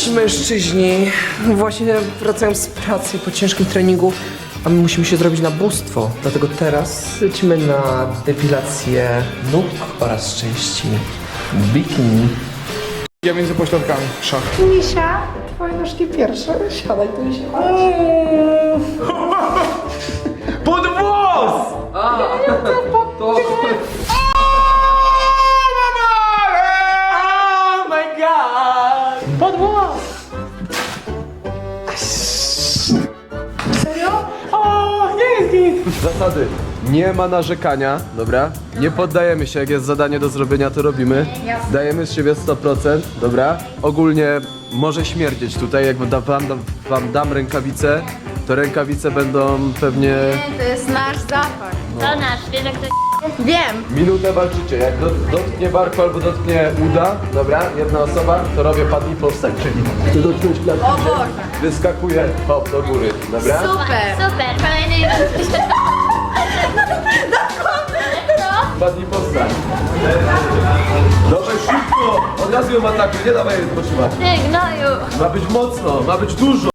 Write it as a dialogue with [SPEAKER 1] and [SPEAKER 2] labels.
[SPEAKER 1] Cześć mężczyźni. Właśnie wracałem z pracy po ciężkim treningu, a my musimy się zrobić na bóstwo. Dlatego teraz lecimy na depilację nóg oraz części bikini.
[SPEAKER 2] Ja między pośladkami. Szach.
[SPEAKER 1] Misia, twoje nóżki pierwsze. Siadaj tu i siadaj.
[SPEAKER 2] Pod włos!
[SPEAKER 1] To...
[SPEAKER 2] Oh my god! Pod włos!
[SPEAKER 1] Serio?
[SPEAKER 2] O, nie jest git!
[SPEAKER 3] Zasady. Nie ma narzekania, dobra? Nie poddajemy się, jak jest zadanie do zrobienia, to robimy. Dajemy z siebie 100%, dobra? Ogólnie może śmierdzieć tutaj, jak wam dam rękawice, to rękawice będą pewnie...
[SPEAKER 4] Nie, to jest nasz zapach.
[SPEAKER 5] To nasz, wiesz jak to
[SPEAKER 4] Wiem.
[SPEAKER 3] Minutę walczycie, jak dotknie barku albo dotknie uda, dobra? Jedna osoba, to robię padnij powstań, czyli chcę dotknąć klatki,
[SPEAKER 4] O Boże.
[SPEAKER 3] wyskakuje, hop, do góry, dobra?
[SPEAKER 4] Super.
[SPEAKER 5] Super, kolejny
[SPEAKER 3] Padnij powstań. Dawaj szybko, od razu ją atakuj, nie dawaj jej odpoczywać.
[SPEAKER 5] Ty gnoju.
[SPEAKER 3] Ma być mocno, ma być dużo.